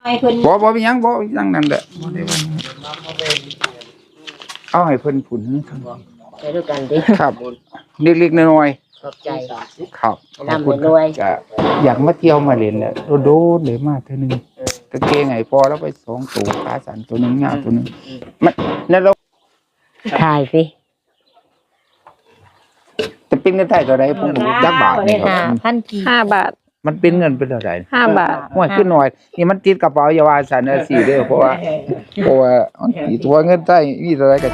บ่มีหยังบ่ยังนั่นแหละบ่ได้ว่าเอาให้เพิ่นผุนไปด้วยกันดิครับเล็กๆน้อยๆขอบใจครับนำรวยก็อยากมาเที่ยวมาเล่นแหละโดดเลยมาเทื่อนึงกางเกงไอ้พอแล้วไป2ตัวขาสั้นตัวนึงยาวตัวนึงมันนั่นเราถ่ายสิจะเป็นเงินไทยเท่าใดผมบ่รู้จักบาทนี่ครับ 5 บาทมันเป็นเงินเป็นเท่าใด 5 บาทห้วยขึ้นหน่อยนี่มันติดกระเป๋าอย่าว่าซั่นเด้อสิเด้อเพราะว่ามันสิตัวเงินไทยมีเท่าใดก็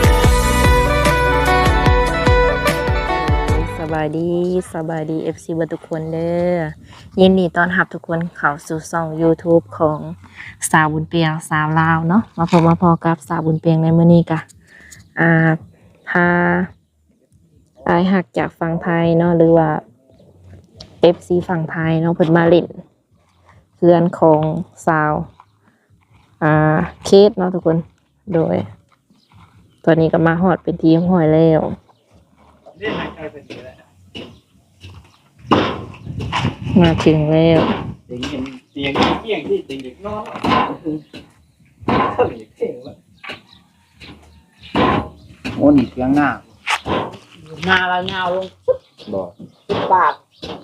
สบายดี FC เบิดทุกคนเด้อยินดีต้อนรับทุกคนเข้าสู่ช่อง YouTube ของสาวบุญเปียงสาวลาวเนาะมาพอกับสาวบุญเปียงในมื้อนี้กะพาอายหักจากฝั่งไทยเนาะหรือว่า FC ฝั่งไทยเนาะเพิ่นมาเล่นเพื่อนของสาวเคสเนาะทุกคนโดยตอนนี้ก็มาฮอดเป็นทีมห้อยแล้วมาถึงแล้วเตียงที่เตียงเด็กนอนโอ้นี่เสียงหน้าเราเงาลงบ่ปาก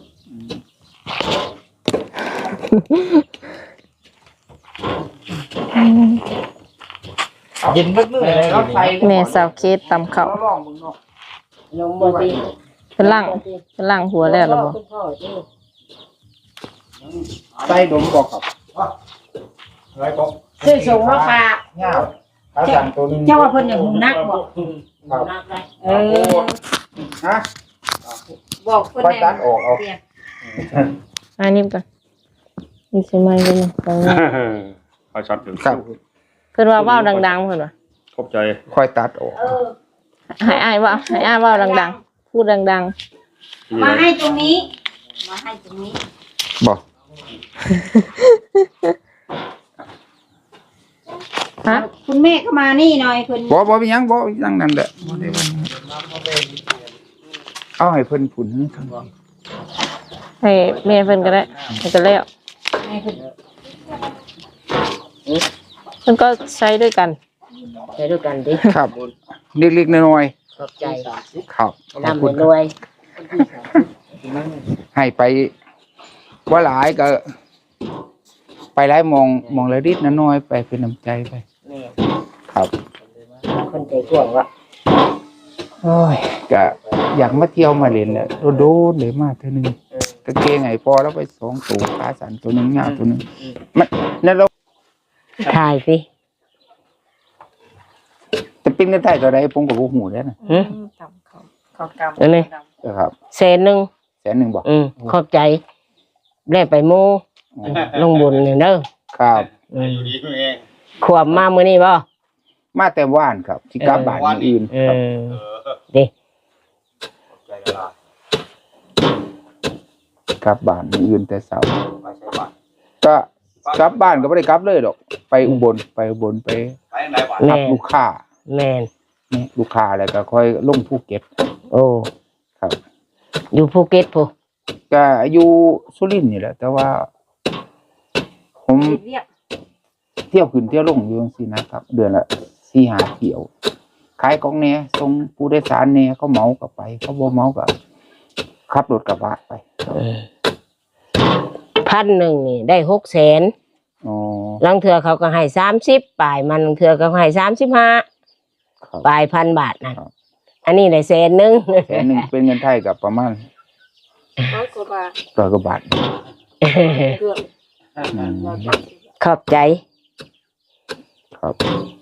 ยินเบิ่งเลยรถไฟแม่สาวเคสตำข้าวลองมึงเนาะลงบ่ติเป็นล่างหัวแล้วเหรอบ่ใส่ดมบ่ครับอะไรบ่ซื้อส่งมาฝากยาวขาสั่นตัวนึงเจ้าว่าเพิ่นอย่างหูนักบ่ฮะบอกเพิ่นแน่ตัดออกเอาอันนี้ก่อนนี่ใช่ไหมกันเนาะคอยช็อตถึงครับเพิ่นว่าเว้าดังๆเพิ่นว่าขอบใจค่อยตัดออกให้อ้ายเว้าดังๆพูดดังๆมาให้ตรงนี้บ่ฮะคุณแม่ก็มานี่หน่อยคุณบ่มีหยังบ่ยังนั่นแหละบ่ได้ว่าเอาให้เพิ่นผุนทั้งให้แม่เพิ่นก็ได้ก็แล้วเพิ่นก็ใช้ด้วยกันดิครับเล็กๆน้อยๆขอบใจครับนำรวยให้ไปว่าหลายก็ไปหลายมองละนิดน้อยไปเป็นน้ำใจไปครับคนใจกว้างวะโอ้ยก็อยากมาเที่ยวมาเล่นแหละโดดเลยมาเทื่อนึงกางเกงไอ้พอแล้วไป2ตัวขาสั้นตัวนึงยาวตัวนึงมันนั่นเราถ่ายสิจะเป็นเงินไทยเท่าใดผมก็บ่ฮู้แล้วนะเขากำนี่ครับ 100,000 บ่ขอบใจได้ไปโมลงบุญนี่เด้อครับอยู่ดีเองขวบมามื้อนี้บ่มาแต่ว่านครับสิกลับบ้านมื้ออื่นครับดิกลับบ้านมื้ออื่นแต่เช้าก็กลับบ้านก็บ่ได้กลับเลยดอกไปอุบลไปไหนวะรับลูกค้าแม่นนี่ลูกค้าแล้วก็ค่อยลงภูเก็ตโอ้ครับอยู่ภูเก็ตพุ่นก็อยู่สุรินทร์นี่แหละแต่ว่าผมเที่ยวขึ้นเที่ยวลงอยู่จังซี่นะครับเดือนละ 4-5 เที่ยวขายของแหน่ส่งผู้โดยสารแหน่เขาเหมาก็ไปเขาบ่เหมาก็ขับรถกระบะไป 1,000นี่ได้600,000 อ๋อลางเทื่อเขาก็ให้30ปลายมันลางเทื่อก็ให้35ปลาย1,000 บาทนั่นอันนี้ได้100,000 100,000เป็นเงินไทยก็ประมาณ100 กว่าบาทขอบใจครับ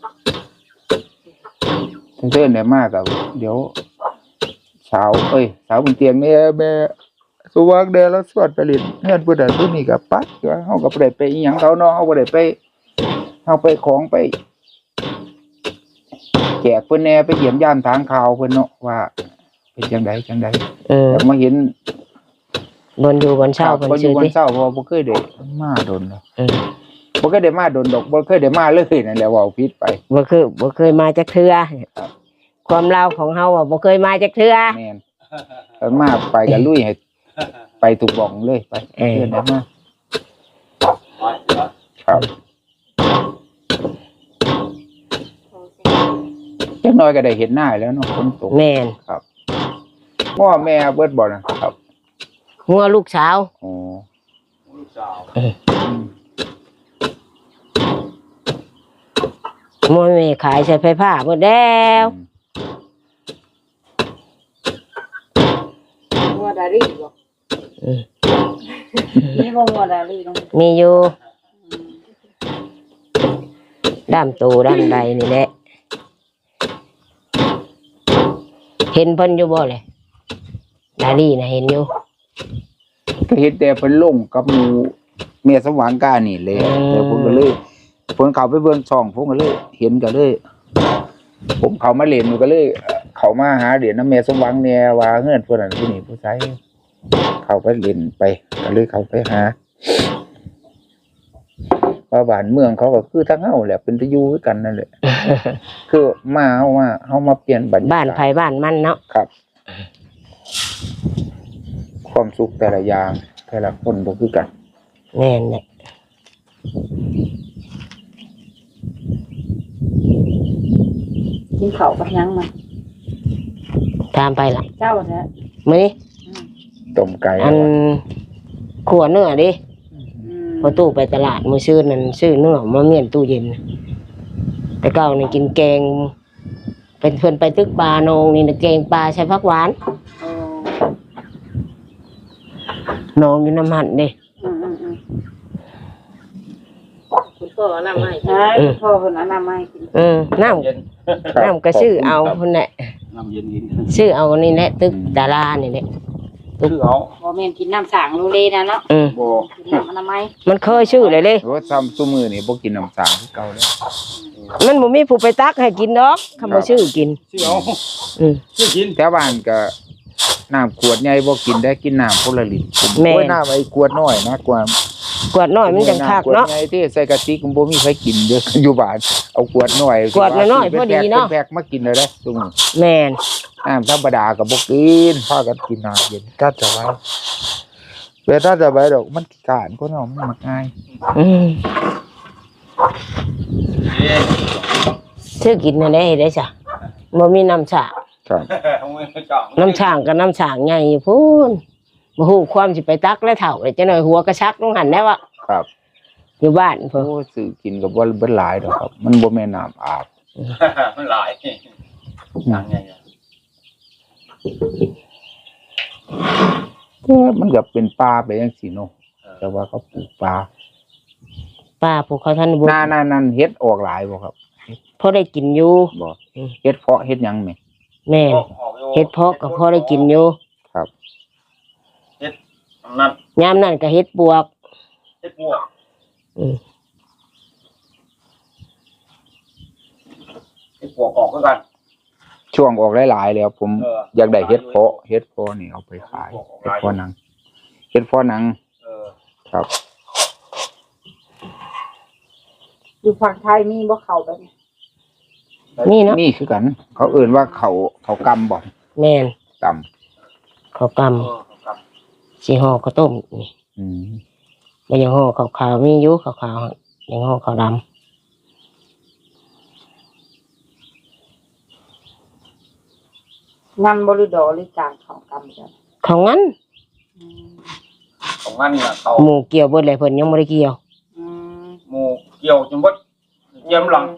เพื่อนได้มากกับเดี๋ยวสาวบนเตียงเนี่ยแม่สุวักเดแล้วสวดไปลินเฮือนผู้ใดผู้นี้ก็ปัดว่าเฮาก็บ่ได้ไปอีหยังเขาเนาะเฮาบ่ได้ไปเฮาไปของไปแจกเพิ่นแน่ไปเยี่ยมยามทางข่าวเพิ่นเนาะว่าเป็นจังไดแต่มาเห็นบนอยู่บนเช้าเพิ่นชื่อติบ่เคยได้มาดนแล้วบ่เคยได้มาดนดอกบ่เคยได้มาเลยนั่นแหละเว้าผิดไปบ่เคยมาจักเทื่อความลาวของเฮาบ่เคยมาจักเทื่อแม่นมาไปก็ลุยให้ไปถูกบ้องเลยไปเพื่อนได้มาคครับจักหน้อยก็ได้เห็นหน้าแล้วเนาะฝนตกแม่นครับง้อแม่เบิดบ่นะครับหัวลูกสาวอ๋อลูกสาวมวยแม่ขายใช้ไฟผ้าหมดแล้วงัวดารี่บ่นี่บ่งัวดารี่ต้องมีอยู่ด้ามตูด้ามใดนี่แหละเห็นเพิ่นอยู่บ่เลยดาลี่นะเห็นอยู่ก็เห็นแต่เพิ่นลงกับหมู่เมียสมหวังกานี่เลยแต่ผมก็เลยผมเข้าไปเบิ่งช่องผมก็เลย เห็นก็เลย ผมเข้ามาเล่นก็เลย เข้ามาหาเหรียญน้ำเมียสมหวังเนี่ยว่าเฮือนเพิ่นนั่นผู้นี้ผู้ใช้เข้าไปเล่นไปก็เลยเข้าไปหาว่าบ้านเมืองเขาก็คือทั้งเฮาแหละเป็นตะอยู่คือกันนั่นแหละ คือมาเฮามาเปลี่ยนบรรยากาศบ้านไผบ้านมันเนาะครับ ความสุขแต่ละอย่างแต่ละคนบ่คือกันแน่นแหละกินข้าวกับหยังมาตามไปล่ะเจ้าแท้มื้อนี้ต้มไก่อันขัวเนื้อดิอืมพอตู้ไปตลาดมื้อซื้อนั่นซื้อเนื้อมาเมียนตู้เย็น แต่เก่านี่กินแกง เป็นเพิ่นไปตึกปลาโนงนี่นะแกงปลาใช้ผักหวานโอ้นองอยู่น้ำหั่นเด้คุณพ่อเอาน้ำให้พ่อเพิ่นเอาน้ำให้กินน้ำเย็นน้ำก็ซื้อเอาเพิ่นแหละน้ำเย็นกินซื้อเอานี่แหละตึกดารานี่แหละคือเอาบ่แม่นกินน้ำสางโลเลนะเนาะบ่กินน้ำอนามัยมันเคยชื่อเลยเด้โอ้ซ้ำซุมื้อนี่บ่กินน้ำสางคือเก่าแล้วมันบ่มีผู้ไปตักให้กินดอกคำว่าชื่อกินคือเอาอืมคือกินแถวบ้านก็น้ำขวดใหญ่บ่กินได้กินน้ำคนละลิตรแม่นโอ้ยน้ำไอ้ขวดน้อยนะกว่ากวดน้อยมันจังคักเนาะขวดใหญ่ที่ใส่กะติกมันบ่มีใครกินเด้อ อยู่บ้านเอาขวดน้อยขวดน้อยๆพอดีเนาะแพ็คมากินเลยเด้อซุมื้อแม่นน้ำธรรมดาก็บ่กินพากันกินน้ำเย็นก็จะไว้เวลาจะไว้ดอกมันขี้การคนเฮามันมักง่ายอืมชื่อกินนั่นได้เฮ็ดได้จ้ะบ่มีน้ำฉางครับน้ำฉางกับน้ำฉางใหญ่อยู่พูนบ่ฮู้ความสิไปตักแล้วเฒ่าเลยจังหน่อยหัวกระชักลงหันได้วะครับอยู่บ้านเพิ่นโอ้ซื้อกินก็บ่เบิดหลายดอกครับ มันบ่แม่นน้ำอาบมันหลายนั่งไงแต่มันก็เป็นป่าไปจังซี่เนาะแต่ว่าเขาปลูกป่าป้าพวกเขาท่านบ่หน้านั้นเฮ็ดออกหลายบ่ครับพอได้กินอยู่บ่เฮ็ดเพาะเฮ็ดหยังแหมแม่นเฮ็ดเพาะก็พอได้กินอยู่ครับนั่นยามนั้นก็เฮ็ดปวกเฮ็ดพวกอืมเฮ็ดพวกออกคือกันช่วงออกหลายๆแล้วผม อยากได้เฮ็ดเพาะนี่เอาไปขายเฮ็ดเพาะหนังครับอยู่ฝั่งไทยมีบ่เข้าแบบนี้นี่เนาะนี่คือกัน เขาเอิ้นว่าเขากำบ่แม่นกข้าวกำสิห่อข้าวต้มนี่ำอืมบ่ยังห่อข้าวขาวมีอยู่ข้าวขาวยังห่อข้าวดำงำบ่หรือดอหรือการของกรรมจ้ะของงั้นอืมของงั้นน่ะเขาหมูเกี่ยวเบิดเลยเพิ่นยังบ่ได้เกี่ยวอืมหมู่เกี่ยวจนบ่เกี่ยวหลัง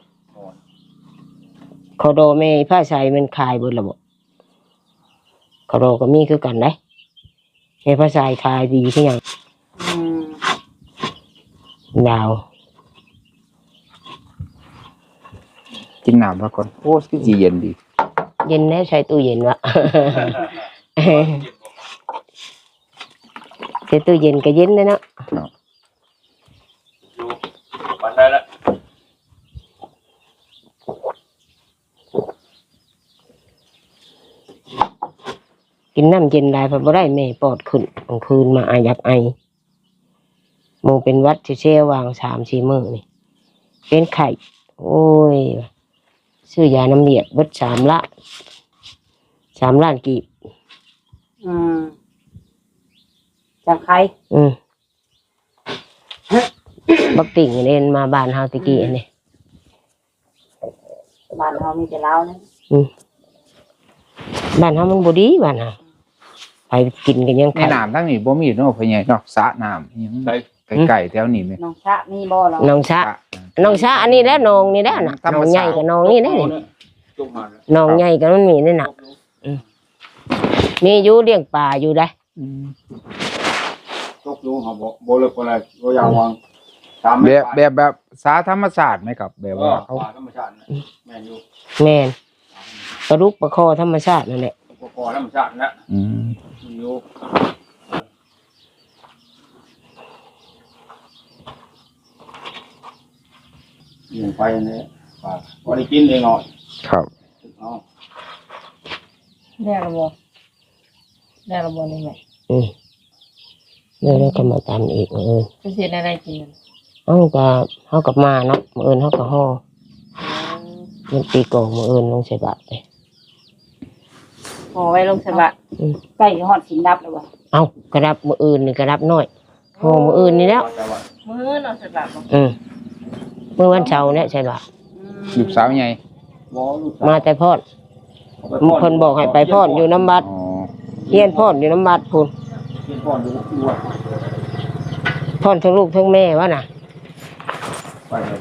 ข้าวโดแม่ผ้าใช้มันขายเบิดแล้วบ่ข้าวโดก็มีคือกันเด้แม่ผ้าใช้ขายดีคือหยังอืมดาวกินน้ำซะก่อนโอ้คือสิเย็นดีเย็นแน่ใช้ตู้เย็นวะ ใช้ตู้เย็นก็เย็นเลยเนาะอยู่วันได้แล้วกินน้ำเย็นได้เพราะบ่ได้แม่ปอดขึ้นกลางคืนมาอายักไอหมูเป็นหวัดเชี่ยววาง3-4 มื้อนี่เป็นไข้โอ้ยซื้อยาน้ำเลียดเบิด3 ล้านกีบอืมจากใครอืมบักติ่งเล่นมาบ้านเฮาตะกี้อันนี้บ้านเฮามีแต่ลาวนะบ้านเฮามันบ่ดีบ้านเฮาไปกินกันยังในไข่น้ำทั้งนี้บ่มีเนาะพ่อใหญ่เนาะสระน้ำอิหยังใช่ไกลๆแถวนี้แม่น้องชะมีบ่เหรอน้องชะน้องชะอันนี้แหละน้องนี่แหละน่ะน้องใหญ่กับน้องนี่แหละนี่จุ่มหันน้องใหญ่กับมันมีนี่น่ะมีอยู่เลี้ยงปลาอยู่ได้ตกอยู่เขาบ่เลิกบ่อะไรบ่อยากวางตามแบบสาธรรมศาสตร์ไหมครับแบบว่าเขาป่าธรรมชาติแม่นอยู่แม่นปลาดุกปลาคอธรรมชาตินั่นแหละพอธรรมชาตินะอืมอยู่ยิงไปนี่ป่าบ่ได้กินเองเนาะครับเอาได้ระบ่ได้ระบ่นี่แม่เดี๋ยวเราก็มาตามอีกจะเสียอะไรกินเฮากับมาเนาะมื้ออื่นเฮาก็ฮ้อมันตีกองมื้ออื่นลงใส่บาตรไปพอไว้ลงสบะใกล้ฮอดสินดับแล้วบ่เอ้ากระดับมื้ออื่นนี่กระดับน้อยฮ้อมื้ออื่นนี่แล้วมื้อเนาะสบะบ่มื้อวันเสาร์เนี่ยใส่บาตรลูกสาวใหญ่บ่ลูกมาแต่พอดเพิ่นบอกให้ไปพอดอยู่น้ำบัดอ๋อเฮียนพอดอยู่น้ำบัดพุ่นเฮียนพ่ออยู่วัดพอดทั้งลูกทั้งแม่วะน่ะไปเลย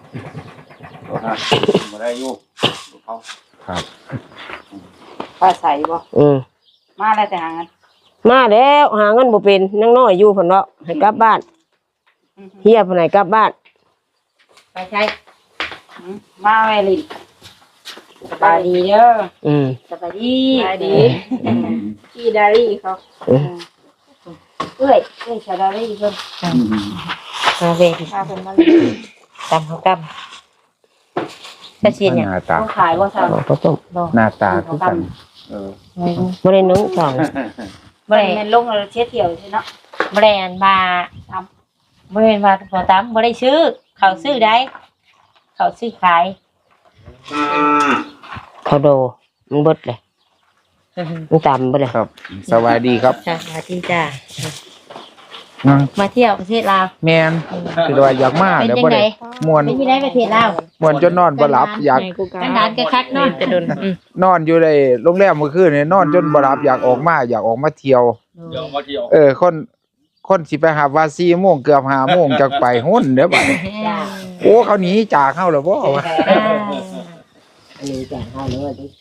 บ่ได้อยู่เขาครับฟ้าใสบ่ มาแล้วแต่หางันมาแล้วหาเงินบ่เป็นนังน้อยอยู่เพิ่นว่าให้กลับบ้านเฮียเพิ่นให้กลับบ้านไปใช้มาแม่ลินสบายดีเด้อสบายดีพี่ดารี่เขาเอ้ยสบายดีเพิ่นมาเวทพาเพิ่นมาตำเขาตำจะเชียนเนี่ยหน้าตาต้องขายบ่ซั่นข้าวต้มหน้าตาคือกันบ่ได้นึ่งสองบ่ได้แม่นลงแล้วเช็ดเที่ยวใช่เนาะแบรนด์บาบริเวณบาตัวตั้มบ่ได้ซื้อเขาซื้อได้เขาซื้อขายข้าวโดมันเบิดเลยมันตำเบิดเลยครับ สวัสดีครับจ้ามาที่จ้านั่งมาเที่ยวประเทศลาวแม่นคือว่าอยากมาเป็นแล้วยังบ่ไงได้ม่วนเป็นที่ได้ประเทศลาวม่วนจนนอนบ่หลับอยากกันดานกันคักเนาะจะโดนนอนอยู่ในโรงแรมเมื่อคืนนี่นอนจนบ่หลับอยากออกมาเที่ยวเดี๋ยวมาเที่ยวคนสิไปหาว่า4โมงเกือบ5โมงจักไปหุ่นเด้อบัดนี้โอ้เขาหนีจากเฮาแล้วบ่วะอันนี้จะให้เลยดิ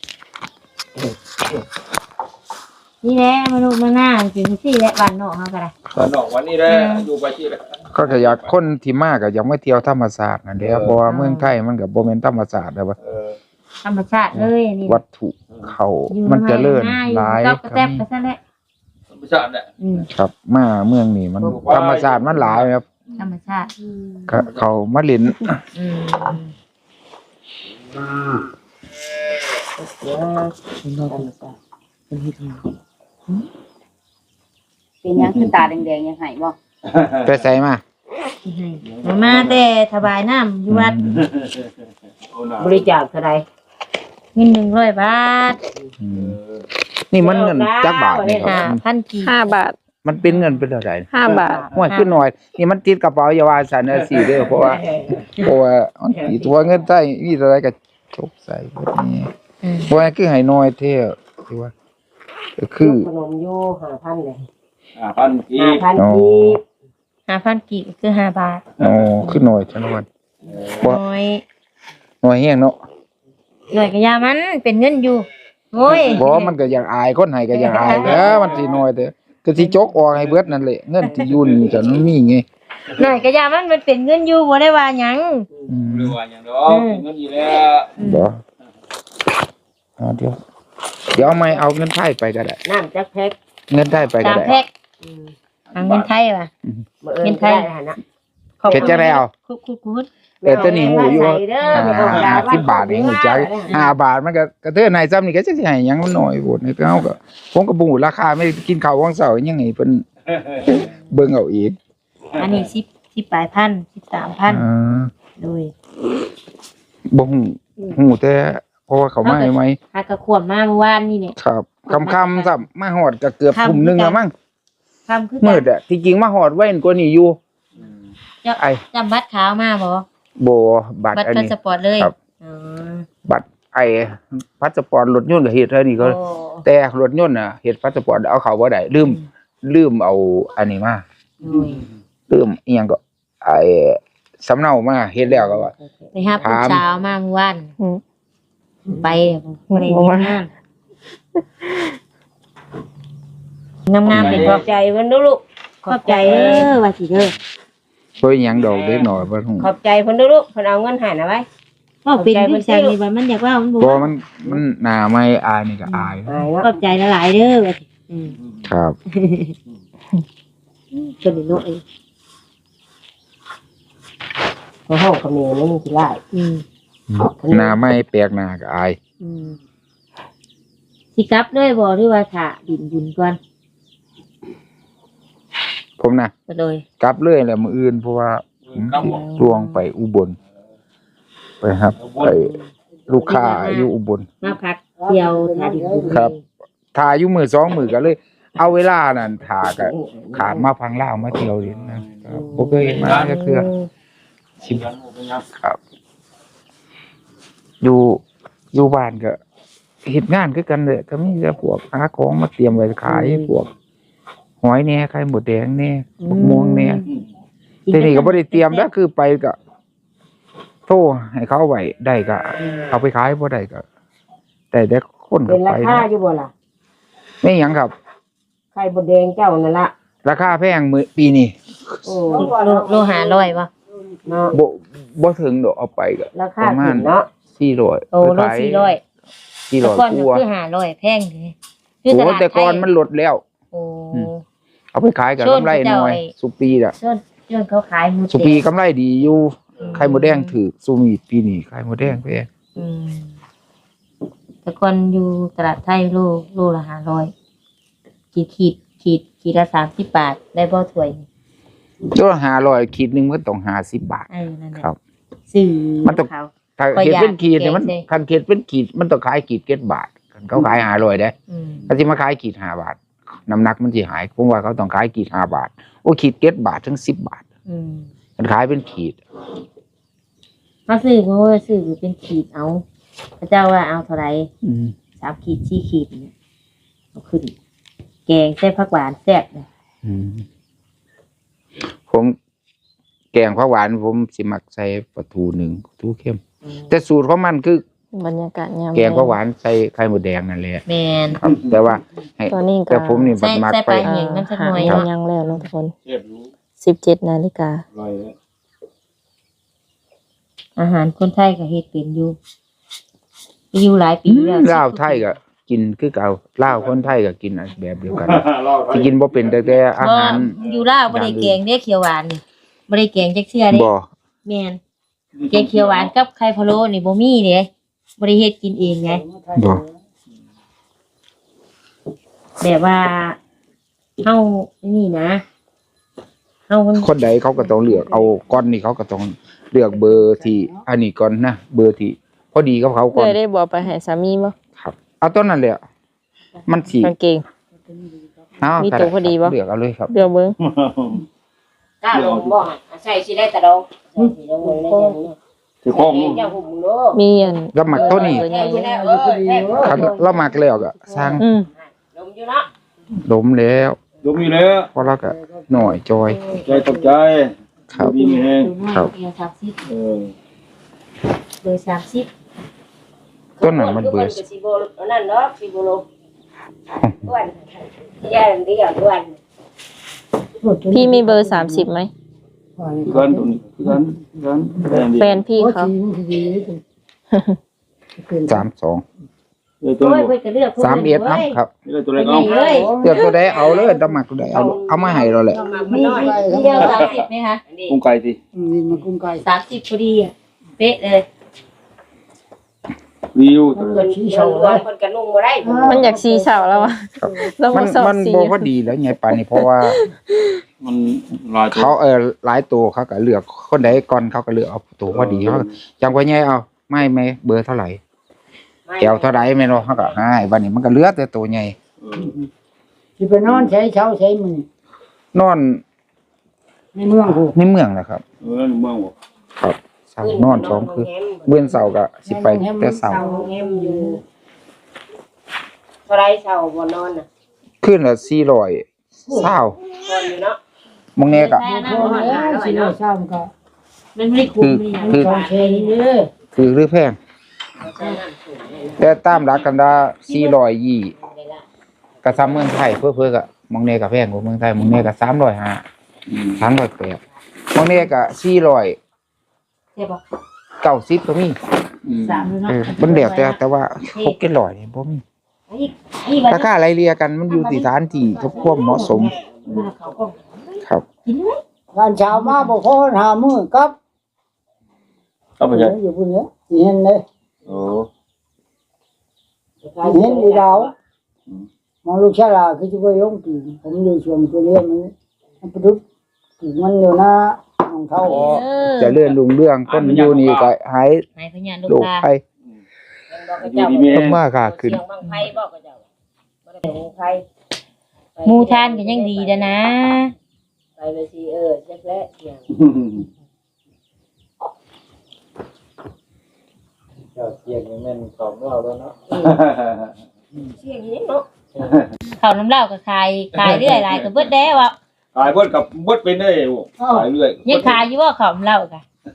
นี่แหละมนุษย์มาหน้าจริงสิและบ้านนอกเขาก็ได้นอกวันนี้ได้อยู่ไปที่ก็อยากคนที่มาก็อยากมาเที่ยวธรรมศาสตร์นั่นแหละเพราะว่าเมืองไทยมันก็บ่แม่นธรรมศาสตร์แล้วว่าธรรมชาติเลยนี่วัตถุเขามันเจริญหลายก็แซ่บไปซะแล้วธรรมชาติเนี่ยครับมาเมืองนี้มันธรรมศาสตร์มันหลายครับธรรมชาติก็เขามาเล่นเป็นหยังคือตาแดงๆยังไห้บ่ไปใส่มามาแต่ถวายน้ำอยู่วัดบริจาคเท่าไหร่เงิน100 บาทอืมนี่มันเงินจักบาทนี่ครับ 5,000 กีบ 5 บาทมันเป็นเงินเป็นเท่าไหร่ 5 บาทห่วยขึ้นหน่อย นี่มันติดกระเป๋าอย่าว่าซั่นเด้อสิเด้อเพราะว่ามันติดตัวเงินใต้มีเท่าไหร่ก็จกใส่เบิดนี้บ่ว่าคือให้น้อยแท้ที่ว่าก็คือขนมอยู่5,000เลยพันกี 5,000กีบ 5,000 กีบคือ5 บาทอ๋อคือน้อยจังว่าบ่น้อยน้อยแฮงเนาะหน่อยก็ยามันเป็นเงินอยู่โอ้ยบ่มันก็อยากอายคนให้ก็อยากอายแหล้วมันสิน้อยแต่ก็สิจกออกให้เบิดนั่นแหละเงินที่อยู่นี่จะมันมีไงหน่อยก็ยามันเป็นเงินอยู่บ่ได้ว่าหยังอืมหรือว่าอย่างดอกเงินอยู่แล้วบ่เดี๋ยวเอาไม้เอาเงินไทยไปก็ได้น้ำจักแพ็คเงินไทยไปก็ 3 ได้แพ็คเอาเงินไทยว่ะมื้ออื่นได้หั่นน่ะเฮ็ดจังได๋เอาคุดแต่ตัวนี้หูอยู่ว่าใส่เด้อไม่ต้องด่าว่า 50 บาทนี่หูจัก5 บาทมันก็กระเทือนให้ซ้ำนี่ก็จักสิให้หยังมันน้อยโพดนี่ก็เฮาก็ผมก็บ่ฮู้ราคาไม่กินข้าววังเช้ายังไงเพิ่นเบิ่งเอาอีกอันนี้10ปลายพัน13,000 อ่าโดยบ่ฮู้แต่เพราะว่าเขามาใหม่หากระขวบมาเมื่อวานนี่เนี่ยครับค่ำๆซ้ำมาฮอดก็เกือบทุ่มหนึงแล้วมั้งคำคือมืดอ่ะที่จริงมาฮอดไว้กว่านี้อยู่ไอ้จำบัตรขาวมาบ่โบบัตรบัตรอันพานี้สปอร์ตเลยครับอ๋อบัตรไอ้พาสปอร์ตรถยนต์ก็เฮ็ดเท่านี้ก็โอ้แต่รถยนต์น่ะเฮ็ดพาสปอร์ตเอาเข้าบ่ได้ลืมเอาอันนี้มาโอ้ยลืมอีหยังก็ไอ้สำเนามาเฮ็ดแล้วก็ว่าไปหาผู้ถามสาวมาเมื่อวานอืมไปบ่ได้เฮ็ดงานงามๆเป็นขบ่อบใจเพิ่นเด้อลูกขอบใจเด้อว่าสิเด้อเพิ่นหยังดอกเด็กน้อยบ่ฮู้ขอบใจเพิ่นเด้อลูกเพิ่นเอาเงินให้น่ะไว้ว่าเป็นผู้ชายนี่ว่ามันอยากว่ามันบ่บ่ว่ามันหน้าไม่อายนี่ก็อายอายเนาะขอบใจหลายๆเด้อว่าสิอืมครับจนได้เนาะเองเพราะห้องเขมรนี่มันสิหลายอืมหน้าไม่แปลกหน้าก็อายอืมสิกลับด้วยบ่หรือว่าถ้าดินบุญก่อนผมนะก็เลยกลับเลยแหละมื้ออื่นเพราะว่าผมลวงไปอุบลไปครับไปลูกค้าอยู่อุบลมาพักเที่ยวถ้าดินบุญครับ ถ่ายอยู่มื้อ2มื้อก็เลย เอาเวลานั้นถ่าก็ขามมาพังลาวมาเที่ยวเล่นนะครับบ่เคยเห็นมาจักเทื่อสิครับ อยู่บ้านก็เฮ็ดงานคือกันเลยก็มีแต่พวกหาของมาเตรียมไว้ขายพวกหอยแหน่ไข่หมดแดงแหน่บักม่วงแหน่แต่นี่ก็บ่ได้เตรียมแล้วคือไปก็โทรให้เขาไว้ได้ก็เอาไปขายบ่ได้ก็แต่คนก็เป็นไปราคาอยู่บ่ล่ะไม่หยังครับไข่บดแดงเจ้านั่นล่ะราคาแพงมื้อปีนี้โอ้โลหะ100บ่เนาะบ่ถึงดอกเอาไปก็ราปคาระมาขึ้ณนเนาะ 400 โอ้โล400แต่ก่อน 400กก็ว่าคือ500แพงเลยคืโอ้ตลาดแต่ก่อนมันลดแล้วโอ้เอาไปขายกับช่วงกำไรที่เจ้าน้อยไอ้สุปีน่ะช่วงเขาขายหมูสุปีกำไรดีอยู่ไข่มดแดงถือสุมีปีนี้ไข่มดแดงแพงอืมแต่ก่อนอยู่ตลาดไทยโลละ500ขีดละ30 บาทได้บ่ถ้วยตัวละ500ขีดหนึงมันต้อง50 บาทนั่นแหละครับซื้อมันต้องเขาถ้าก็เขีดอยากเป็นขีดเนี่ยมันแกงใส่คันเขีดเป็นขีดมันต้องขายขีด7 บาทคันเขาขาย500ได้อืมถ้าสิมาขายขีด5 บาทน้ำหนักมันสิหายผมว่าเขาต้องขายขีด5 บาทโอ้ขีด7 บาทถึง10 บาทอืมมันขายเป็นขีดเขาซื้อเพราะว่าซื้อเป็นขีดเอาพระเจ้าว่าเอาเท่าไหร่3 ขีด4 ขีดเนี่ยเอาขึ้น แกงใส่ผักหวานแซ่บเลยผมแกงผักหวานผมสิมักใส่ปลาทูหนึ่งปลาทูเข้ม แต่สูตรของมันคือบรรยากาศยามแกงผักหวานใส่ไข่มดแดงนั่นแหละแมนครับ แต่ว่าให้ตอนนี้ก็แต่ผมนี่บัดมักใส่ไปไป เห็นน้ำสักหน่อยหาเนาะยังแล้วเนาะทุกคนเทียบรู้ 17 นาฬิกาลอยแล้วอาหารคนไทยก็เฮ็ดเป็นอยู่หลายปีแล้วลาวไทยก็กินคือเก่าลาวคนไทยก็กินแบบเดียวกันเล่าไปสิกินบ่เป็นแต่อาหารอยู่ลาวบ่ได้แกงเด้เขียวหวานนี่บ่ได้แกงจักเทื่อเด้บ่แม่นแกงเขียวหวานกับไข่พะโล้นี่บ่มีเด้บ่ได้เฮ็ดกินเองไงบ่แบบว่าเฮานี่นะเฮามันคนใดเขาก็ต้องเลือกเอาก้อนนี่เขาก็ต้องเลือกเบอร์ที่อันนี้ก่อนนะเบอร์ที่พอดีกับเขาก่อนเคยได้บอกไปให้สามีบ่ครับเอาต้นนั้นแหละมันสิกางเกงเอามีตัวพอดีบ่เลือกเอาเลยครับเดี๋ยวเบิ่งกล้าลงบ่ใส่สิได้ตะดองสิลงเลยได้จังนี้ที่ข้องเจ้าหุ่มเด้อมีอันแล้วหมักตัวนี้เบอร์ใหญ่อยู่แล้วแท้คันเราหมักแล้วก็สร้างอืมลงอยู่เนาะล้มแล้วยกมีแล้วเพราะเราก็หน่อยจอยใจตกใจครับดีมีแฮงครับเบอร์30 เออเบอร์30 ต้นนั้นมันเบื่อสิบ่นั่นเนาะสิบ่ลงอ้วนย่านเดียวอ้วนพี่มีเบอร์30ไหมคือกันตัวนี้คือกันแฟแฟนนพี่เขา 32 เออตัวโอ้ยนี้เพิ่นก็เลือก 31ครับครับนี่ตัวไปเล็กไหนเอาเลยเลือกตัวใดเอาเลยต้องหมักตัวใดเอามาให้เราแหละมีเดียว30ไหมคะกุ้งไก่สิ 30พอดีอ่ะเป๊ะเลยวิวตัวเพิ่นชี้เชาว่าเพิ่นก็นุ่งบ่ได้มันอยากสีเสาแล้วอะเรามัมาน สอบมันสีบ่พอดีแล้วไงปานนี้เพราะว่ามันลายตัวเขาหลายตัวเขาก็เลือกคนใดก่อนเขาก็เลือกเอาตัวพอดีเขาจังว่าไงเอาไม่เบอร์เท่าไหร่แก้วเท่าไหร่แม่นบ่เขาก็ให้บัดนี้มันก็เหลือแต่ตัวใหญ่เออสิไปนอนใช้เช้าใช้มือนอนในเมืองกูในเมืองนะครับเมืองบ่ครับเสาร์นอนสองคือเบื้องเสาร์ก็สิไปแต่เสาร์แงมอยู่เท่าไรเช้าบ่นอนน่ะขึ้นละ400เศร้าก่อนอยู่เนาะบางแน่ก็โอ้ยสิโลซ้ำก็มันไม่ได้คุ้มนี่หยังคือสองเชนเด้อคือหรือแพงแต่ตามหลักกันดา420ก็ซ้ำเมืองไทยเพิ่นก็บางแน่ก็แพงกว่าเมืองไทยบางแน่ก็350 380บางแน่ก็400 ใช่บ่ 90ก็มีสามเนาะมันแล้วแต่ว่า600นี่บ่มีอีบัดราคาไล่เลี่ยกันมันอยู่ที่สถานที่กับความเหมาะสมเขาก็ครับกินไหมวันเช้ามาบ่พอหามื้อกับเอาไปใช่อยู่พุ่นเนี้ยเห็นเลยโอ้เห็นอีดาวมองลูกชายลาคือจะไปลงปีผมอยู่ชวนไปเรียนมันประดุกปีมันอยู่หน้าของเขาจะเลื่อนลุงเรื่องคนอยู่นี่ก็หายให้พญานลูกโรคตาภัยอยู่ดีแม่ต้องมาค่าขึ้นเสียงบังไฟบอกกับเจ้าบ่ได้บังไฟหมูทานก็ยังดีนะ ไปเลยสิเช็คแล้วเสียงเจ้าเสียงแม่นของเราแล้วเนาะเสียงนี้เนาะข้าวน้ำเหล้าก็ขายเรื่อยหลายก็เบิดแล้วอ่ะขายเพิ่นกับเบิดเป็นได้ขายเรื่อยยังขายอยู่บ่ข้าวน้ำเหล้าก็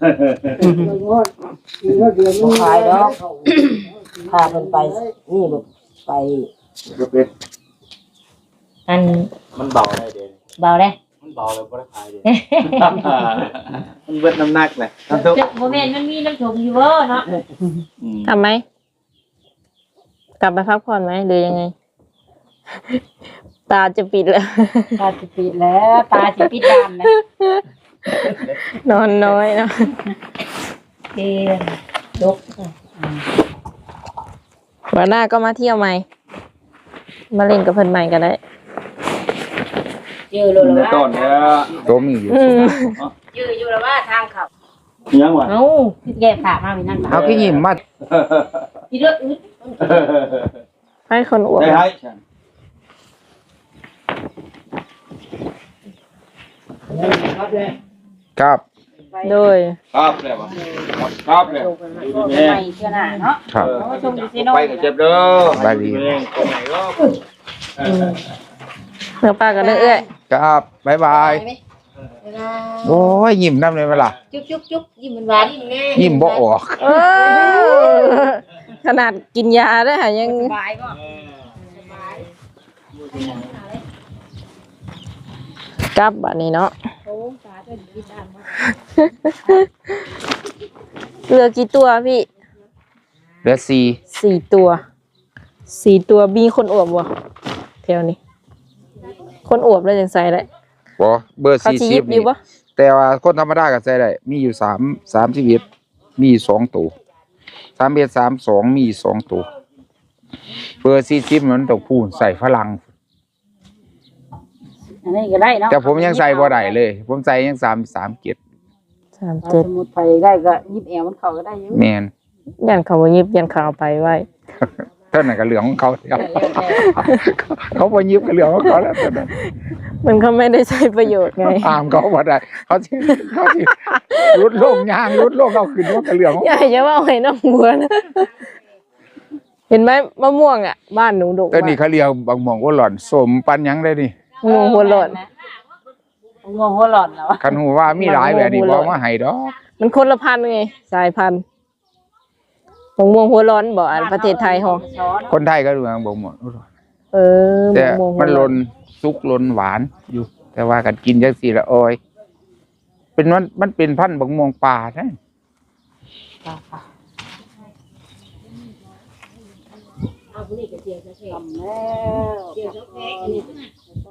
ขายแล้วพาเพิ่นไปนี่บ่ไปก็เป็นอันมันเบาได้เด้เบาเด้มันเบาแล้วบ่ได้ขายเด้มันเบิดน้ำหนักเลยน้ำทุกบ่แม่นมันมีน้ำชมอยู่บ่เนาะทำไหมกลับไปพักผ่อนไหมหรือยังไง ตาจะปิดแล้วตาจะปิดแล้วตาจะปิดดำนะนอนน้อยเนาะเกณฑ์ดกวันหน้าก็มาเที่ยวใหม่ มาเล่นกับเพื่อนใหม่ก็ได้เจอโลในละต้ว่านเนี่ยตัวมีอยู่เจออยู่ละว่าทางเขายังวะเอ้าพี่แกฝากมาไว้นั่นเอาขี้ยิ้มมาพี่เด้ออึดให้คนอวดได้ให้ครับโดยครับเลยวะครับเลยดูดีแม่ไม่เชื่อหน้าเนาะครับไปกับเจ็บเด้อไปดีตรงไหนก็เนื้อปลากับเนื้อเอื้อยครับบ๊ายบายโอ้ยยิ้มนำเลยเวลาจุ๊บยิ้มหวานๆแน่ยิ้มบ่ออกเออขนาดกินยาได้ค่ะยังสบายบ่กลับแบบนี้เนาะเหลือกี่ตัวพี่เหลือ4 4 ตัวมีคนอวบบ่แถวนี้ คนอวบแล้วจังใส่เลยบ่เบอร์เขาสิหยิบ 40 อยู่นี่บ่แต่ว่าคนธรรมดาก็ใส่ได้มีอยู่31มี2ตัว31 32มี2ตัวเบอร์40มันต้องพูนใส่ฝรั่งอันนี้ก็ได้เนาะแต่ผมยังใส่บ่ได้เลย ผมใส่ยัง37 สมุดไปได้ก็ยิบแอวมันเข้าก็ได้อยู่แม่นยันเขาบ่ยิบยันเขาเอาไปไว้เท่านั้นก็เหลืองของเขาแล้วเขาบ่ยิบก็เหลืองของเขาแล้วเท่านั้นมันก็ไม่ได้ใช้ประโยชน์ไงตามเขาบ่ได้เขาสิรุดโลกย่างรุดโลกเอาขึ้นว่าก็เหลืองของอย่าจะว่าให้น้องบัวนะ เห็นไหมมะม่วงอ่ะ บ้านหนูดกตัวนี้เขาเรียกบางหม่องว่าหล่อนสมปันหยังได้นี่มะม่วงหัวหล่นงงหัวหลอนแล้วคันหูว่ามีหลายแบบนี้บ่มาให้ดอกมันคนละพันธุ์ไง สายพันธุ์มะม่วงหัวร้อนบ่อันประเทศไทยฮอคนไทยก็ดูบางหม่องเออแต่มะม่วงหัมัวน ร้ลอนนสุกลนหวานอยู่ แต่ว่ากันกินจังซี่ละโอยเป็นมันเป็นพันธุ์บางม่วงป่านะเอาผู้นี้ก็เจียวซะเท่ทำแล้ว